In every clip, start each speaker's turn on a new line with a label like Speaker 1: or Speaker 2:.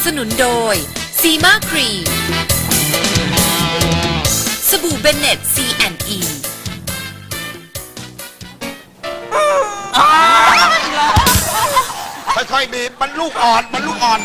Speaker 1: สนุนโดยซีมาครีมสบู่เบนเน็ต C&E
Speaker 2: ค่อยๆบีบมันลูกอ่อนมันลูกอ่อน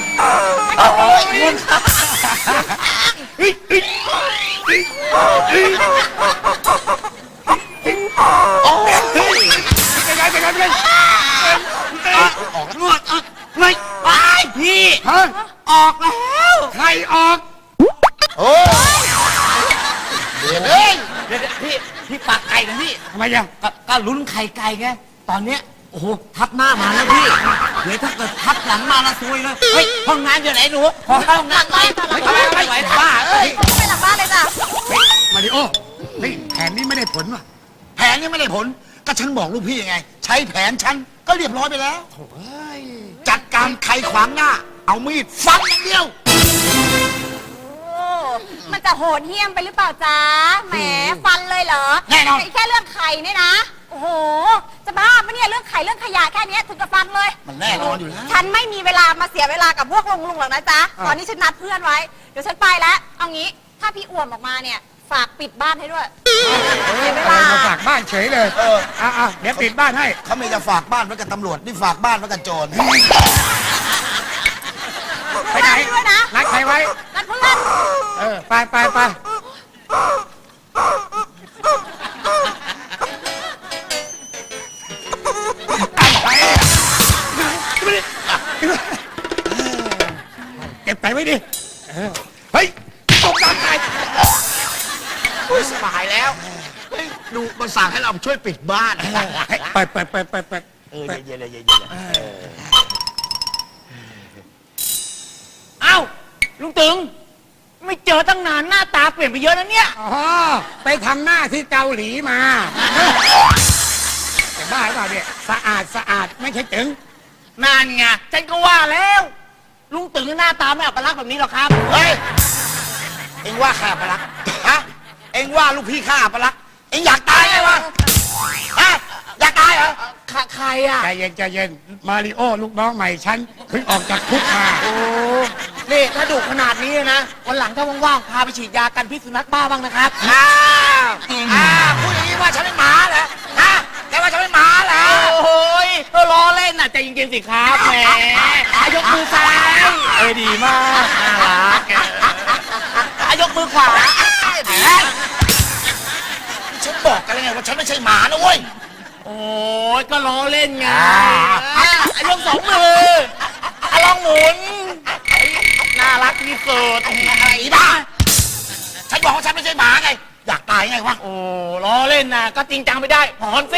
Speaker 2: ออกแล้ว
Speaker 3: ไม่ไปพี่ออกแล้วใครออก
Speaker 2: โอ้เดี๋ยวเอง
Speaker 3: เดี๋ยวพี่ปากไก่นะพี่
Speaker 4: ทำไมยัง
Speaker 3: ก็ลุ้นไข่ไก่ไงตอนเนี้ยโอ้โหทับหน้ามาแล้วพี่เดี๋ยวถ้าเกิดทับหลังมาละซวยเลยเฮ้ยห้องน้ำอยู่ไหนหนูขอเข้าห้องน้ำไปไม่ไหวบ้าเอ้ย
Speaker 5: ไปหลังบ้านเลยจ้ะ
Speaker 4: มาริโอเฮ้ยแผนนี้ไม่ได้ผลว่ะ
Speaker 2: แผนนี้ไม่ได้ผลก็ฉันบอกลูกพี่ยังไง ใช้แผนฉันก็เรียบร้อยไปแล้วจัดการใครขวางหน้า เอามีดฟันอย่างเดียว
Speaker 5: โอ้มันจะโหดเหี้ยมไปหรือเปล่าจ๊ะแหมฟันเลยเหรอ
Speaker 2: แน่นอน
Speaker 5: แค่เรื่องไข่เนี่ยนะโอ้โหจะบ้าปะเนี่ยเรื่องไข่เรื่องขยะแค่เนี้ยถึงกับฟันเลย
Speaker 2: มันแน่นอนอยู่แล้ว
Speaker 5: ฉันไม่มีเวลามาเสียเวลากับพวกลุงหรอกนะจ๊ะตอนนี้ฉันนัดเพื่อนไว้เดี๋ยวฉันไปแล้วเอางี้ถ้าพี่อ้วมออกมาเนี่ยฝากปิดบ้านให้ด้วยเสียเวลา
Speaker 4: มาฝากบ้านเฉยเลยเดี๋ยวปิดบ้านให้
Speaker 2: เขาไม่จะฝากบ้านไว้กับตำรวจนี่ฝากบ้านไว้กับโจร
Speaker 4: ไปไหน
Speaker 5: ด้วยนะ
Speaker 4: นัดใครไว้
Speaker 5: นัดเพื่อน
Speaker 4: ไปเก็บไปไว้ดิเฮ้ยตกน้ำตาย
Speaker 2: สบายแล้วเฮ้ยดูมันสั่งให้เราช่วยปิดบ้าน
Speaker 4: ไป
Speaker 2: เย็นๆ
Speaker 3: เอ้าลุงตึงไม่เจอตั้งนานหน้าตาเปลี่ยนไปเยอะแล้วเนี่ย
Speaker 4: อ๋อไปทำหน้าที่เกาหลีมาแต่บ้าหรือเปล่าเนี่ยสะอาดไม่ใช่ตึง
Speaker 3: นั่นไงฉันก็ว่าแล้วลุงตึงหน้าตาไม่อัปลักษณ์แบบนี้หรอกครับ
Speaker 2: เฮ้ยเอ็งว่าข้าปะลักฮะเอ็งว่าลูกพี่ข้าปะลักเอ็งอยากตายไงวะฮะอยากตายเหรอ
Speaker 3: ใครอ่ะ
Speaker 4: ใจเย็นมาริโอลูกน้องใหม่ฉันเพิ่งออกจากคุกมา
Speaker 3: โอ้นี่ถ้าดุขนาดนี้นะวันหลังถ้าว่างๆพาไปฉีดยากันพิษสุนัขบ้าบ้างนะครับ
Speaker 2: พูดอย่างนี้ว่าฉันเป็นหมาเหรอฮะแกว่าฉันเป็นหมาเหรอ
Speaker 3: โอ้ยล้อเล่นน่ะใจเย็นๆสิครับแหมยกมือซ้ายดีมากน่ารักยกมือขวา
Speaker 2: ฉันบอกกันแล้วไงว่าฉันไม่ใช่หมานะเว้ย
Speaker 3: โอ้ยก็ล้อเล่นไงยกสองมือลองหมุนน่ารักที่สุด
Speaker 2: ไอ้บ้าฉันบอกว่าฉันไม่ใช่หมาไงอยากตายไงวะ
Speaker 3: โอ้ล้อเล่นน่ะก็จริงจังไม่ได้หอนสิ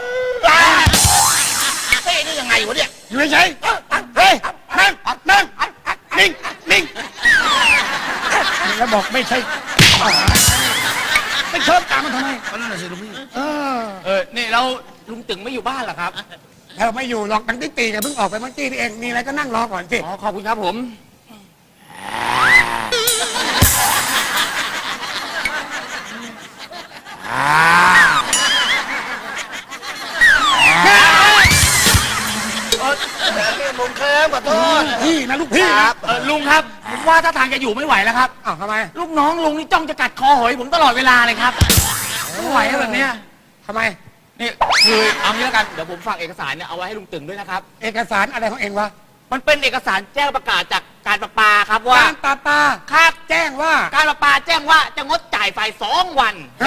Speaker 2: เฮ้ยนี่ยังไงวะเนี่ย
Speaker 4: อยู่เฉยเฮ้ยนั่งนิ่งแล้วบอกไม่ใช่ไม่เชิญตามมันทำไม
Speaker 2: นั่นแหละสิลูกพี่
Speaker 3: นี่แล้วลุงตึงไม่อยู่บ้านเหรอครับ
Speaker 4: เราไม่อยู่หรอกตั้งตีกันเพิ่งออกไปเมื่อกี้นี่เองมีอะไรก็นั่งรอก่อนสิ
Speaker 3: อ๋อขอบคุณครับผม
Speaker 2: ผมเคลิ้มขอโทษ
Speaker 4: พี่นะลูกพี่นะ
Speaker 3: ลุงครับผมว่าถ้าทางจะอยู่ไม่ไหวแล้วครับ
Speaker 4: อ้าวทำไม
Speaker 3: ลูกน้องลุงนี่จ้องจะกัดคอหอยผมตลอดเวลาเลยครับไม่ไหวแล้วแบบเนี้ย
Speaker 4: ทำไม
Speaker 3: นี่คือเอางี้แล้วกันเดี๋ยวผมฝากเอกสารเนี่ยเอาไว้ให้ลุงตึงด้วยนะครับ
Speaker 4: เอกสารอะไรของเองวะ
Speaker 3: มันเป็นเอกสารแจ้งประกาศจากการประปาครับว่า
Speaker 4: การปา
Speaker 3: ครับ
Speaker 4: แจ้งว่า
Speaker 3: การประปาแจ้งว่าจะงดจ่ายไฟ2 วัน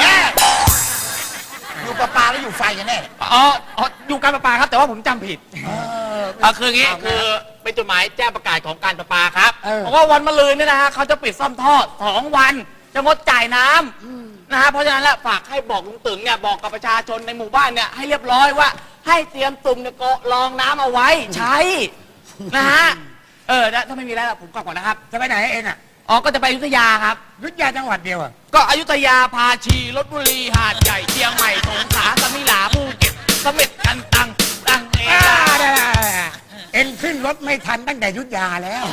Speaker 2: อยู่ปลาแล้วอยู่ไฟกันแน่
Speaker 3: อ๋ออยู่การประปาครับแต่ว่าผมจำผิดคืออย่างงี้คือเป็นจดหมายแจ้งประกาศของการประปาครับเพราะว่าวันมะรืนเนี่ยนะฮะเขาจะปิดซ่อมท่อ2 วันจะงดจ่ายน้ำนะฮะเพราะฉะนั้นแล้วฝากให้บอกลุงตึงเนี่ยบอกกับประชาชนในหมู่บ้านเนี่ยให้เรียบร้อยว่าให้เตรียมตุ่มเนี่ยก็รองน้ำเอาไว้ใช้นะฮะถ้าไม่มีแล้วผมกลับก่อนนะครับ
Speaker 4: จะไปไหนเองอ่ะ
Speaker 3: อ๋อก็จะไปอยุธยาครับ
Speaker 4: ยุทธยาจังหวัดเดียวอ่ะ
Speaker 3: ก็อยุธยาพาชีลพบุรีหาดใหญ่เชียงใหม่สงขลาสมิลาภูเก็ตเสม็ดกันตังเอง
Speaker 4: เอ็งขึ้นรถไม่ทันตั้งแต่ยุทธยาแล้ว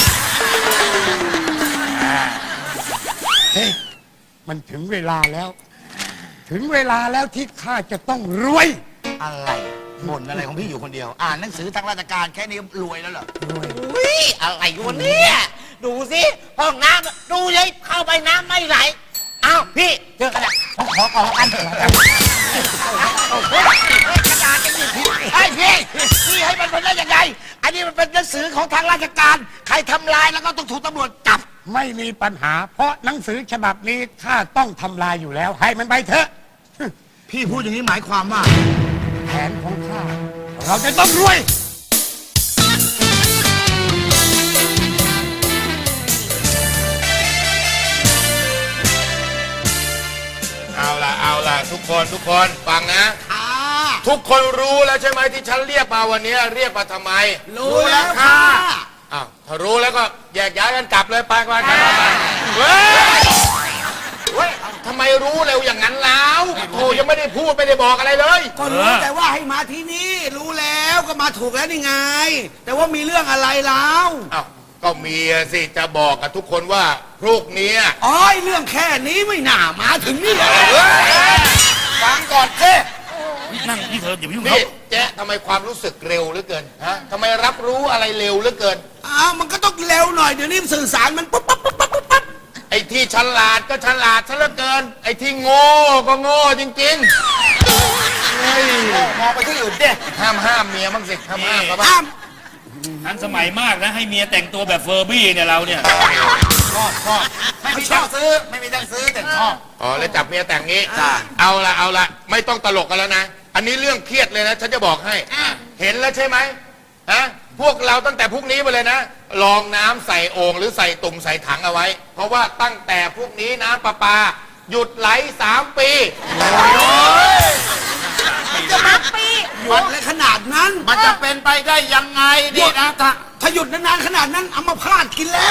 Speaker 4: เฮ้ยมันถึงเวลาแล้ว ถึงเวลาแล้วที่ข้าจะต้องรวย
Speaker 2: อะไรบ่นอะไรของพี่อยู่คนเดียว อ่านหนังสือทางราชการแค่นี้รวยแล้วเหรอ
Speaker 4: รวย
Speaker 3: อุ้ยอะไรวะเนี่ยดูสิห้องน้ำดูเลยเข้าไปน้ำไม่ไหลอ้าวพี่เจอกันแล้วผมขอก่อนแล้วกัน
Speaker 2: กระดาษจะหยิบผิดไอ้พี่ให้มันเป็นได้ยังไง อันนี้มันเป็นหนังสือของทางราชการ ใครทำลายแล้วก็ต้องถูกตำรวจจับ
Speaker 4: ไม่มีปัญหา เพราะหนังสือฉบับนี้ข้าต้องทำลายอยู่แล้ว ให้มันไปเถอะ
Speaker 2: พี่พูดอย่างนี้หมายความว่า
Speaker 4: แผนของข้าเราจะต้องรวย
Speaker 6: เอาล่ะทุกคนฟังนะ ทุกคนรู้แล้วใช่ไหมที่ฉันเรียกมาวันนี้เรียกมาทำไม
Speaker 2: รู้แล้วค่ะ
Speaker 6: อ้าวถ้ารู้แล้วก็แยกย้ายกันกลับเลยไปเฮ้ยทำไมรู้เร็วอย่างนั้นแล้วโธ่ยังไม่ได้พูดไม่ได้บอกอะไรเลย
Speaker 7: ก็รู้แต่ว่าให้มาที่นี่รู้แล้วก็มาถูกแล้วนี่ไง แต่ว่ามีเรื่องอะไรแล้ว
Speaker 6: อ้าวก็มีสิจะบอกกับทุกคนว่าพรุ่งนี้
Speaker 7: อ๋อเรื่องแค่นี้ไม่น่ามาถึงนี่เลย
Speaker 6: ฟังก่อนเจ๊
Speaker 3: นั่งที่เธออย่าไปยุ่ง
Speaker 6: นี่เจ๊ทำไมความรู้สึกเร็วเหลือเกินฮะทำไมรับรู้อะไรเร็วเหลือเกิน
Speaker 7: อ้าวมันก็ต้องเร็วหน่อยเดี๋ยวนี้สื่อสารมันปุ๊บปั๊บปุ๊บปั๊บปุ๊บปั๊บ
Speaker 6: ไอ้ที่ฉลาดก็ฉลาดซะเหลือเกิน ไอ้ที่โง่ก็โง่จริงๆเฮ้ยมองไปที่อื่นดิห้ามเมียบ้างสิห้ามเขาบ้าง
Speaker 7: อ้าว
Speaker 3: ทันสมัยมากนะให้เมียแต่งตัวแบบเฟอร์บี้เนี่ยเราเนี่ย
Speaker 6: ไม่มีตังค์ซื้อไม่มีตังค์ซื้อแต่ชอบอ๋อแล้วจับเมียแต่งงี้เอาละไม่ต้องตลกกันแล้วนะอันนี้เรื่องเครียดเลยนะฉันจะบอกให้เห็นแล้วใช่ไหมฮะพวกเราตั้งแต่พรุ่งนี้ไปเลยนะลองน้ำใส่โอ่งหรือใส่ตุ่มใส่ถังเอาไว้ เพราะว่าตั้งแต่พรุ่งนี้น้ำประปาหยุดไหล3 ปี
Speaker 5: จะมาปี
Speaker 7: หยุดเลยขนาดนั้น
Speaker 6: มันจะเป็นไปได้ยังไงดีนะ
Speaker 7: ถ้าหยุดนานๆขนาดนั้นเอามาพาดกินแล้ว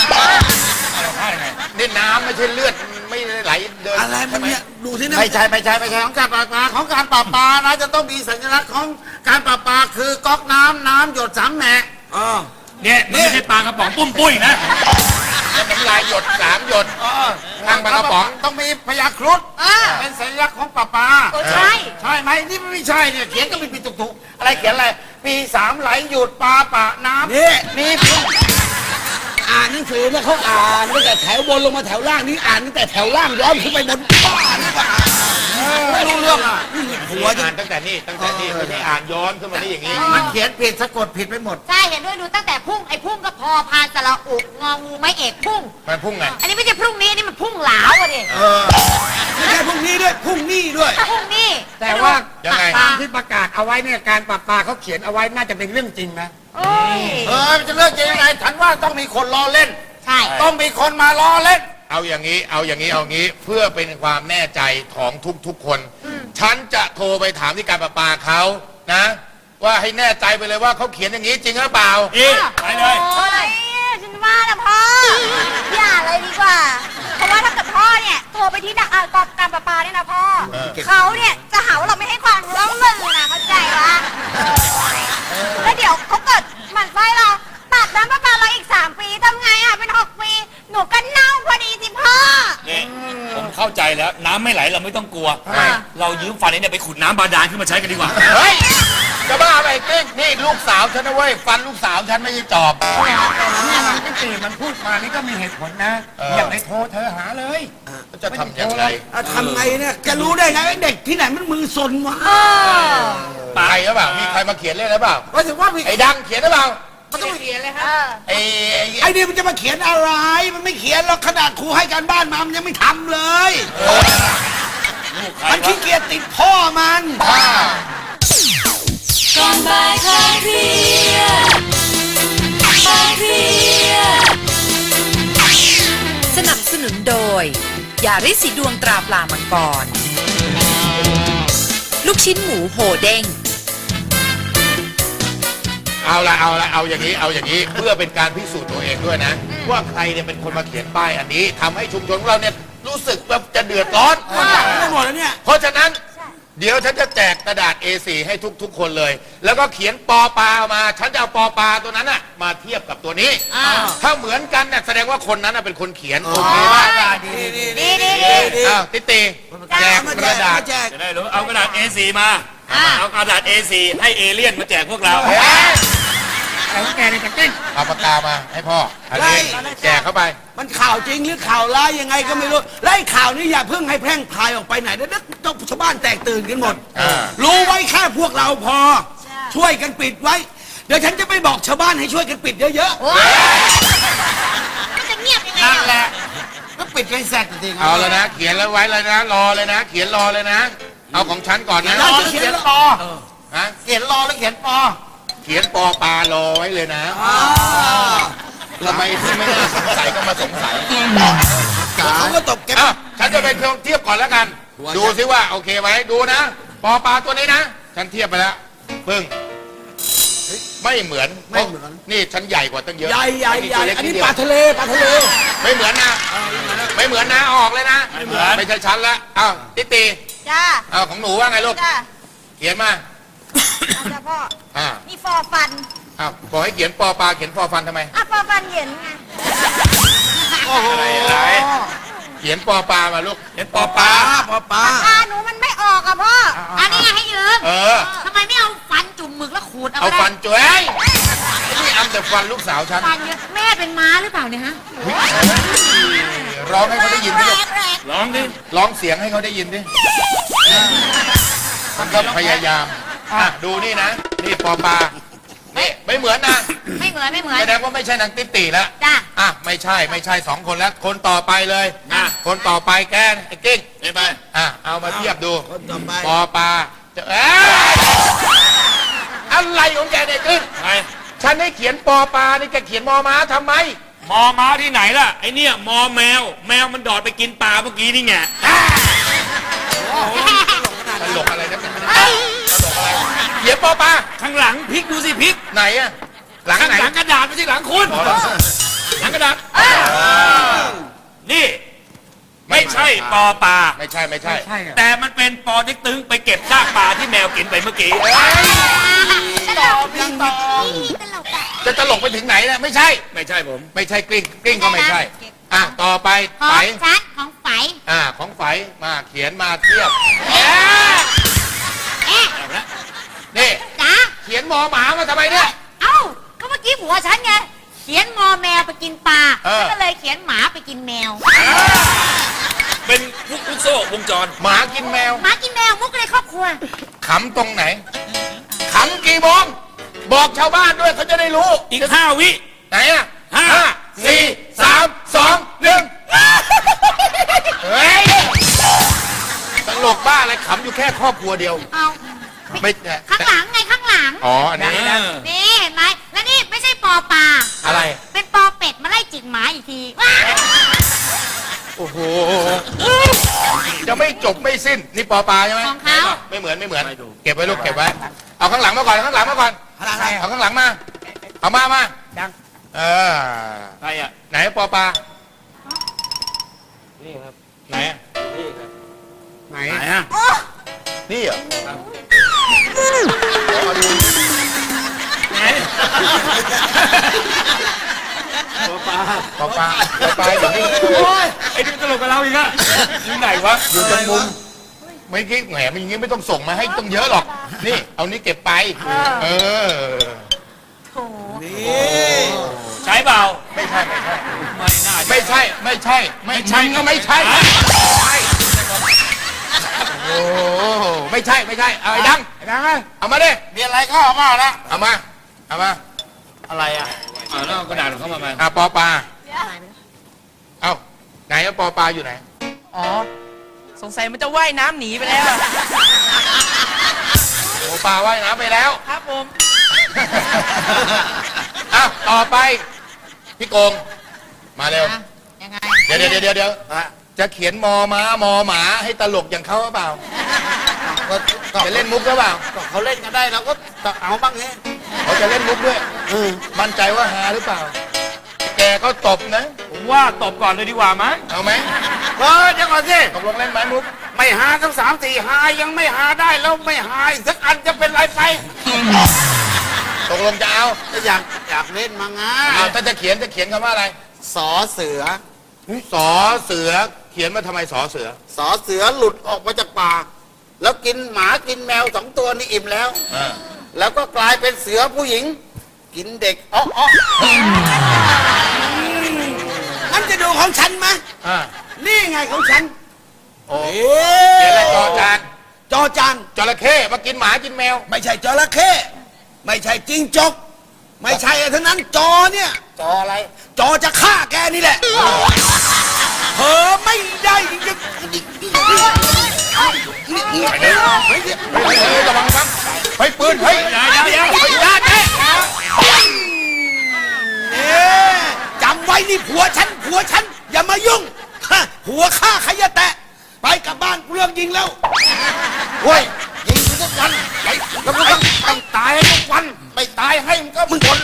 Speaker 6: นี่น้ำไม่ใช่เลือดไม่ได้ไหลเดิน
Speaker 7: อะไรมันเนี่ยดูที่นั่น
Speaker 6: ไม่ใช่ของการประปาของการประปานะจะต้องมีสัญลักษณ์ของการประปาคือก๊อกน้ำหยด3 แหน
Speaker 3: เนี่ยมันไม่ใช่ปลากระป๋องปุ้มปุ้ยนะ
Speaker 6: น้ำลายหยด3 หยดทางปลากระป๋องต้องมีพยาครุฑเป็นสัญลักษณ์ของประปา
Speaker 5: ใช่
Speaker 6: ใช่ไหมนี่ไม่ใช่เนี่ยเขียนก็มีถูกๆอะไรเขียนอะไรปี3ไหลหยุดปลาปะน้ำ
Speaker 7: นี่
Speaker 6: นี่
Speaker 7: อ่านหนังสือแล้วเขาอ่านตั้งแต่แถวบนลงมาแถวล่างนี่อ่านตั้งแต่แถวล่างย้อนขึ้นไปบนบ้านนี่ก็อ่านไม่รู้เรื่องอ่ะหัวจะ
Speaker 6: อ่านตั้งแต่นี่ไม่ใช่อ่านย้อนขึ้นมานี่อย่างนี้มันเขียนผิดสะกดผิดไปหมด
Speaker 5: ใช่เห็นด้วยดูตั้งแต่พุ่งไอ้พุ่งก็พอพานสระอุงองูไม่เอกพุ่ง
Speaker 6: มันพุ่งไง
Speaker 5: อันนี้ไม่ใช่พรุ่งนี้อันนี้มันพุ่งหลาวอะดิ
Speaker 7: ไม่ใช่พรุ่งนี้ด้วยพรุ่งนี้ด้วย
Speaker 5: พรุ่งนี้
Speaker 4: แต่ว่า
Speaker 6: ยังไง
Speaker 4: ตามที่ประกาศเอาไว้เนี่ยการปราปาเขาเขียนเอาไว้น่าจะเป็นเรื่องจริงนะ
Speaker 5: โอ้ย
Speaker 6: มันจะเลิกยังไงฉันว่าต้องมีคนล้อเล่น
Speaker 5: ใช่
Speaker 6: ต้องมีคนมาล้อเล่น เอาอย่างนี้เพื่อเป็นความแน่ใจของทุกๆคน ฉันจะโทรไปถามที่การประปาเขานะ ว่าให้แน่ใจไปเลยว่าเขาเขียนอย่างนี้จริงหรือเปล่า
Speaker 3: ไปเลย
Speaker 5: โอ้ยฉันว่านะพ่ออย่าเลยดีกว่า เพราะว่าถ้าเกิดพ่อเนี่ยโทรไปที่การประปาเนี่ยนะพ่อเขาเนี่ยจะหาว่าเราไม่ให้ความร่วมมือนะเข้าใจปะแล้วเดี๋ยวเขาเกิดหมั่นไส้เราตัดน้ำประปาเราอีก3 ปีทำไงอ่ะเป็น6 ปีหนูก็เน่าพอดีสิพ่อ
Speaker 3: นี่ผมเข้าใจแล้วน้ำไม่ไหลเราไม่ต้องกลัว เรายืมฟันนี้เนี่ยไปขุดน้ำบาดาลขึ้นมาใช้กันดีกว่า
Speaker 6: เฮ้ย จะบ้าไปกิ๊กนี่ลูกสาวฉันนะเว้ย ฟันลูกสาวฉันไม่ใช่จอบ
Speaker 4: นี่ตีมันพูดมานี่ก็มีเหตุผลนะ อย่าไปโทรเธอหาเลย
Speaker 6: จะทำยังไง
Speaker 7: ทำไงเนี่ยจะรู้ได้ไงไอ้เด็กที่ไหนมันมือซนวะ
Speaker 6: ตายหรือเปล่า มีใครมาเขียนเล่นหรือเปล่า
Speaker 7: ว่าถึงว่ามี
Speaker 6: ไอ้ดังเขียนหรือเปล่า
Speaker 5: มันต้องเขียนเลยค่ะ
Speaker 6: ไอ้
Speaker 7: ไอ้นี่มันจะมาเขียนอะไร มันไม่เขียนหรอกขนาดครูให้การบ้านมามันยังไม่ทำเลย มันขี้เกียจติดพ่อมัน
Speaker 1: ก่อนบ่ายคลายเครียดคลายเครียดสนับสนุนโดย ยาริสีดวงตราปลามังกร ลูกชิ้นหมูโหเด้ง
Speaker 6: เอาอย่างนี้เพื่อเป็นการพิสูจน์ตัวเองด้วยนะ ว่าใครเนี่ยเป็นคนมาเขียนป้ายอันนี้ทำให้ชุมชนของเราเนี่ยรู้สึกแบบจะเดือดร้อน
Speaker 7: ไม่หมดแล้วเนี่ย
Speaker 6: เพราะฉะนั้นเดี๋ยวฉันจะแจกกระดาษ A4 ให้ทุกคนเลย แล้วก็เขียนปอปลามา ฉันจะเอาปอปลาตัวนั้นน่ะมาเทียบกับตัวนี้ ถ้าเหมือนกันเนี่ยแสดงว่าคนนั้นน่ะเป็นคนเขียนโอเคไหม
Speaker 5: ดี
Speaker 6: อ้าวติตีแจกกระดาษ
Speaker 7: แจก
Speaker 3: จะได้รู้เอากระดาษ A4 มา เอากระดาษ A4 ให้เอเลี่ยนมาแจกพวกเรา
Speaker 6: เฮ้ย
Speaker 4: แต่ว่าแกเนี่ยจะเก่ง
Speaker 6: เอาปากกามาให้พ่ออันนี้แจกเข้าไป
Speaker 7: มันข่าวจริงหรือข่าวร้ายยังไงก็ไม่รู้และไอ้ข่าวนี้อย่าเพิ่งให้แพร่งพรายออกไปไหนนะเดี๋ยวชาวบ้านแตกตื่นกันหมด รู้ไว้แค่พวกเราพอ ช่วยกันปิดไว้ เดี๋ยวฉันจะไปบอกชาวบ้านให้ช่วยกันปิดเยอะ
Speaker 5: มันจะเงียบยังไง
Speaker 2: นั่น
Speaker 5: อะ
Speaker 2: แหละก็ปิดไว้แซดจริงๆ
Speaker 6: เอาแล้วนะ เขียนแล้วไว้เลยนะ รอเลยนะ เขียนรอเลยนะ เอาของฉันก่อนนะ
Speaker 2: รอหรือเขียนปอ
Speaker 6: ฮะ
Speaker 2: เขียนรอหรือเขียนปอ
Speaker 6: เขียนปอปลารอไว้เลยนะทำไมที่ไม่น่าสงสัยก็มาสงสัย
Speaker 7: ๆแล้วเขาก็ตบแก
Speaker 6: อ่ะฉันจะไปเทียบก่อนแล้วกัน ดูซิว่าโอเคไหมดูนะ ปอปลาตัวนี้นะ ฉันเทียบไปแล้วปึ้งไม่เหมือนนี่ฉันใหญ่กว่าตั้งเยอะ
Speaker 7: ใหญ่ใหญ่ใหญ่
Speaker 6: ตัวเล็ก
Speaker 7: อันนี้
Speaker 6: ดเดียว
Speaker 7: ปลาทะเลปลาทะเล
Speaker 6: ไม่เหมือนนะ ไม่เหมือนนะเอาออกเลยนะ ไม่เหมือนไม่ใช่ฉันละอ้าวติตี
Speaker 5: จ้า
Speaker 6: เอาของหนูว่าไงลูก
Speaker 5: จ้า
Speaker 6: เขียนมา
Speaker 5: จ้าพ่อ
Speaker 6: อ่า
Speaker 5: นี่ฟอฟัน
Speaker 6: อ้าวบอกให้เขียนปอปลาเขียนฟอฟันทำไม
Speaker 5: อ่ะฟอฟันเห็นไง
Speaker 6: อะไรเขียนปอปลามาลูกเขียนปอปลา
Speaker 7: ปลาปลา
Speaker 5: ตาหนูมันไม่ออกอะพ่อ อันนี้ไงให้ยืม
Speaker 6: เออ
Speaker 5: ทำไมไม่เอาฟันจุ่มหมึกแล้วขูดเอา
Speaker 6: เอา
Speaker 5: ก็ได้
Speaker 6: ฟันจ้วยนี่อำแต่ฟันลูกสาวฉัน
Speaker 5: ฟันเยอะแม่เป็นม้าหรือเปล่าเนี่ยฮะ
Speaker 6: ร้องให้เขาได้ยินดิลูก
Speaker 5: แรก
Speaker 3: ร้องดิ
Speaker 6: ร้องเสียงให้เขาได้ยินดิมันก็พยายามอ่ะดูนี่นะ นี่ปอปลานี่ไม่เหมือนนะ
Speaker 5: ไม่เหมือนไม่เหมือน
Speaker 6: แสดงว่าไม่ใช่นางติ๊ตีแล้ว
Speaker 5: จ้า
Speaker 6: อ่ะไม่ใช่สองคนแล้ว คนต่อไปเลยคนต่อไปแกนไอ้กิ้งไปอ่ะเอามาเทียบดู
Speaker 7: คนต่อไป
Speaker 6: ปอปลาจะอะไรของแกเนี่ยกิ้งฉันให้เขียนปอปลานี่แกเขียนมอม้าทำไม
Speaker 3: มอม้าที่ไหนล่ะ ไอเนี่ยมอแมว แมวมันดอดไปกินปลาเมื่อกี้นี่ไง
Speaker 6: ตลกอะไรนะเป็นตลกอะไรเขียนปอปลา
Speaker 3: ข้างหลังพลิกดูสิพลิก
Speaker 6: ไหนอะหลัง
Speaker 3: ข้าง
Speaker 6: ไหน
Speaker 3: หลังกระดาษไม่ใช่หลังคุณ หลังกระดาษ นี่ ไม่ใช่ปอปลา
Speaker 6: ไม่ใช่
Speaker 3: แต่มันเป็นปอติ๊กตึงไปเก็บซากปลาที่แมวกินไปเมื่อกี้
Speaker 5: ตลกตลกอะ
Speaker 6: จะตลกไปถึงไหนนะไม่ใช่
Speaker 3: ไม่ใช่ผม
Speaker 6: ไม่ใช่กลิ้งก็ไม่ใช่ อ่ะต่อไป
Speaker 5: ขอ
Speaker 6: ไฝ
Speaker 5: งฉันของไฝ
Speaker 6: ของไฝมาเขียนมาเทียบ
Speaker 5: เอ๊ะ
Speaker 6: นี่
Speaker 5: จ้า
Speaker 6: เขียนมอหมามาทำไมเนี่ย
Speaker 5: เอ้า ก็เมื่อกี้ผัวฉันไง เขียนมอแมวไปกินปลา
Speaker 6: เออ
Speaker 5: ฉันก็เลยเขียนหมาไปกินแมว
Speaker 3: เป็นลูกโซ่วงจร
Speaker 6: หมากินแมว
Speaker 5: หมากินแมวมุกในครอบครัว
Speaker 6: ขำตรงไหนขำกี่โมงบอกชาวบ้านด้วยเขาจะได้รู้
Speaker 3: อีก5 วิ
Speaker 6: ไหนอะ
Speaker 3: ห้า
Speaker 6: 4 3 2 1เฮ้ยตลกบ้าอะไรขำอยู่แค่ครอบครัวเดียว
Speaker 5: เอา
Speaker 6: ไม่
Speaker 5: ข้างหลังไงข้างหลัง
Speaker 6: อ๋ออันนี้
Speaker 5: นี่เห็นไหม แล้วนี่ไม่ใช่ปอปลา
Speaker 6: อะไร
Speaker 5: เป็นปอเป็ดมาไล่จิกหมาอีกทีว้า
Speaker 6: โอ้โห จะไม่จบไม่สิ้น นี่ปอปลาใช่ไหม
Speaker 5: ของเขา
Speaker 6: ไม่เหมือน เก็บไว้ลูก เก็บไว้ เอาข้างหลังมาก่อน ข้างหลังมาก่อน เอาข้างหลังมา เอามา
Speaker 4: ดัง
Speaker 6: เออ
Speaker 3: ใครอ่ะ
Speaker 6: ไหนปอปลา นี่ครับ ไหนอะ
Speaker 4: ไหน
Speaker 3: ไหนอ่ะ
Speaker 5: โอ้
Speaker 6: นี่เหรอ
Speaker 3: ไหน
Speaker 6: ปอปลาอยู่นี่
Speaker 3: ไอ้นี่มันตลกกับเราอีกอะอยู่ไหนวะ
Speaker 6: อยู่ตรงมุม ไม่คิดแหมมันอย่างงี้ไม่ต้องส่งมาให้ต้องเยอะหรอก นี่ เอานี้เก็บไป เออ
Speaker 5: โถ
Speaker 3: ใช้เปล่า
Speaker 6: ไม่ใช่
Speaker 3: ไม่น่า
Speaker 6: ไม่ใช่ก็ไม่ใช่ โอ้โหไม่ใช่ เอาไอ้ดัง
Speaker 4: ดังเลย
Speaker 6: เอามาดิ
Speaker 2: มีอะไรก็เอามาแล้ว
Speaker 6: เอามา
Speaker 2: อะไรอ่ะ
Speaker 3: แล้วเอากระดาษของเขามาไหม
Speaker 6: ปอปลา เอาไหนอะปอปลาอยู่ไหน
Speaker 1: อ๋อ สงสัยมันจะว่ายน้ำหนีไปแล้วอะ
Speaker 6: โอ้ปลาว่ายน้ำไปแล้ว
Speaker 1: ครับผม
Speaker 6: อ่ะต่อไป พี่โกง มาเร็ว
Speaker 5: ยังไง
Speaker 6: เดี๋ยวจะเขียนมอม้ามอหมาให้ตลกอย่างเขาหรือเปล่า จะเล่นมุกหรือเปล่า
Speaker 2: เขาเล่นกันได้เราก็เอาบ้างเนี่ย
Speaker 6: เขาจะเล่นมุกด้วย มั่นใจว่าฮาหรือเปล่า แกก็ตบนะ
Speaker 3: ผมว่าตบก่อนเลยดีกว่ามั้ย
Speaker 6: เอาไหม
Speaker 2: เดี๋ยวก่อนสิ
Speaker 6: ตกลงเล่นไหมมุก
Speaker 2: ไม่หาทั้ง3 4หายังไม่หาได้แล้วไม่หาอีกสักอันจะเป็นไรไป
Speaker 6: ตกลงจะเอา
Speaker 2: อยากเล่นมาไง
Speaker 6: ถ้าจะเขียนคำว่าอะไร
Speaker 2: สอเสือ
Speaker 6: สอเสือ เขียนมาทำไมสอเสือ
Speaker 2: สอเสือหลุดออกมาจากปากแล้วกินหมากินแมว2 ตัวนี่อิ่มแล้ว แล้วก็กลายเป็นเสือผู้หญิง
Speaker 7: กินเด็กอ๋องั้นจะดูของฉันไหม
Speaker 6: อ่า
Speaker 7: นี่ไงของฉัน
Speaker 6: โอ้
Speaker 7: เอ๊
Speaker 6: เขียนอะไรจอจาน
Speaker 7: จอจาน
Speaker 6: จระเข้มากินหมากินแมว
Speaker 7: ไม่ใช่จระเข้ไม่ใช่จิงจก ไม่ใช่อะไรทั้งนั้นจอเนี่ย
Speaker 6: จออะไร
Speaker 7: จอจะฆ่าแกนี่แหละเผลอไม่ได้จริง
Speaker 6: ไปเลยเฮ้ยระวังครับเฮ้ยปืนเฮ้ยอย่าเจ๊
Speaker 7: ๆจำไว้นี่ผัวฉันอย่ามายุ่งฮะผัวฆ่าใครอย่าแตะไปกลับบ้านกูเลิกยิงแล้ว
Speaker 6: เฮ้ยยิงทุกวันไอ้แล้วก็ต้องตายให้ทุกวันไม่ตายให้มันก็มึงคน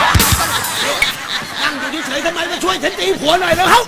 Speaker 7: นั่งอยู่เฉยๆทำไมมาช่วยฉันตีผัวหน่อยแล้วเฮ้า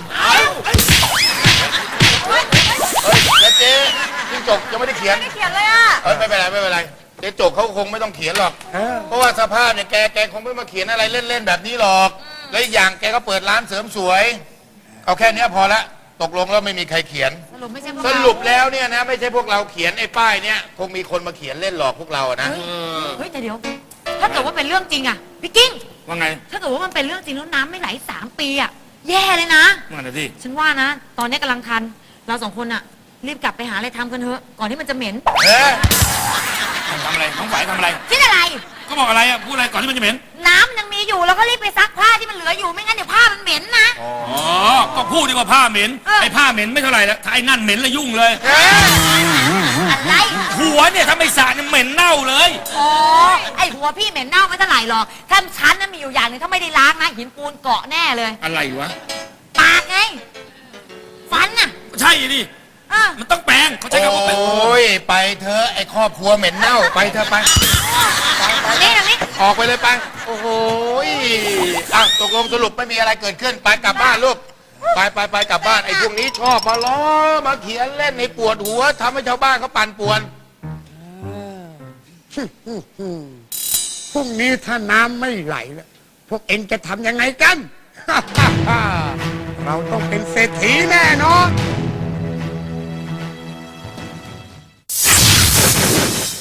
Speaker 6: เฮ้ยแล้วเจ๊จิ้งจกยังไม่ได้เขียน
Speaker 5: ไม่เขียนเลยอ่ะ
Speaker 6: ไม่เป็นไรเจ๊จกเขาคงไม่ต้องเขียนหรอก เพราะว่าสภาพเนี่ยแกคงไม่มาเขียนอะไรเล่นๆแบบนี้หรอก แล้วอีกอย่างแกก็เปิดร้านเสริมสวย เอาแค่เนี้ยพอละตกลงแล้วไม่มีใครเขียน
Speaker 1: สรุปไม่ใช่พวก
Speaker 6: ส
Speaker 1: เรา
Speaker 6: รุปแล้วเนี่ยนะไม่ใช่พวกเราเขียนไอ้ป้ายเนี่ยคงมีคนมาเขียนเล่นหลอกพวกเราอะนะ
Speaker 1: เฮ้ยแต่เดี๋ยว ถ้าเกิดว่าเป็นเรื่องจริงอะพี่กิ้ง
Speaker 3: ว่าไง
Speaker 1: ถ้าเกิดว่ามันเป็นเรื่องจริงแล้วน้ำไม่ไหล3 ปีอะแย่เลยนะ
Speaker 3: ว่าไงสิ
Speaker 1: ฉันว่านะ ตอนนี้กำลังทัน เรา2 คนอะรีบกลับไปหาอะไรทำกันเถอะ ก่อนที่มันจะเหม็น
Speaker 6: เอ๊ะ
Speaker 3: ทำอะไรน้องฝ่ายทำอะไร
Speaker 1: คิดอะไร
Speaker 3: ก็บอกอะไรอ่ะพูดอะไรก่อนที่มันจะเหม็น
Speaker 1: น้ำยังมีอยู่เราก็รีบไปซักผ้าที่มันเหลืออยู่ไม่งั้นเดี๋ยวผ้ามันเหม็นนะ
Speaker 3: อ๋อก็พูดดีกว่าผ้าเหม็น
Speaker 1: เออ
Speaker 3: ไอ้ผ้าเหม็นไม่เท่าไหร่ละถ้าไอ้นั่นเหม็นละยุ่งเลย
Speaker 1: อะไร
Speaker 3: หัวเนี่ยถ้าไม่สระเนี่ยเหม็นเน่าเลย
Speaker 1: อ๋อไอหัวพี่เหม็นเน่าไม่เท่าไหร่หรอกถ้าฉันนั้นมีอยู่อย่างหนึงถ้าไม่ได้ล้างนะหินปูนเกาะแน่เลย
Speaker 3: อะไรวะ
Speaker 1: ปากไง ฟันน่ะ
Speaker 3: ใช่ดิ
Speaker 1: เออ
Speaker 3: มันต้องแปรงเขาใช้คำว่าแปรง
Speaker 6: โอ้ยไปเธอะไอ้ครอบครัวเหม็นเน่าไปเธอะไป
Speaker 1: นี่ตรงนี้
Speaker 6: ออกไปเลยไปโอ้โหอ่ะตกลงสรุปไม่มีอะไรเกิดขึ้นไปกลับบ้านลูกไปกลับบ้านไอ้พวกนี้ชอบมาล้อมาเขียนเล่นในปวดหัวทำให้ชาวบ้านเขาปั่นป่วน
Speaker 4: พรุ่งนี้ถ้าน้ำไม่ไหลแล้วพวกเอ็งจะทำยังไงกัน เราต้องเป็นเศรษฐีแน่นอน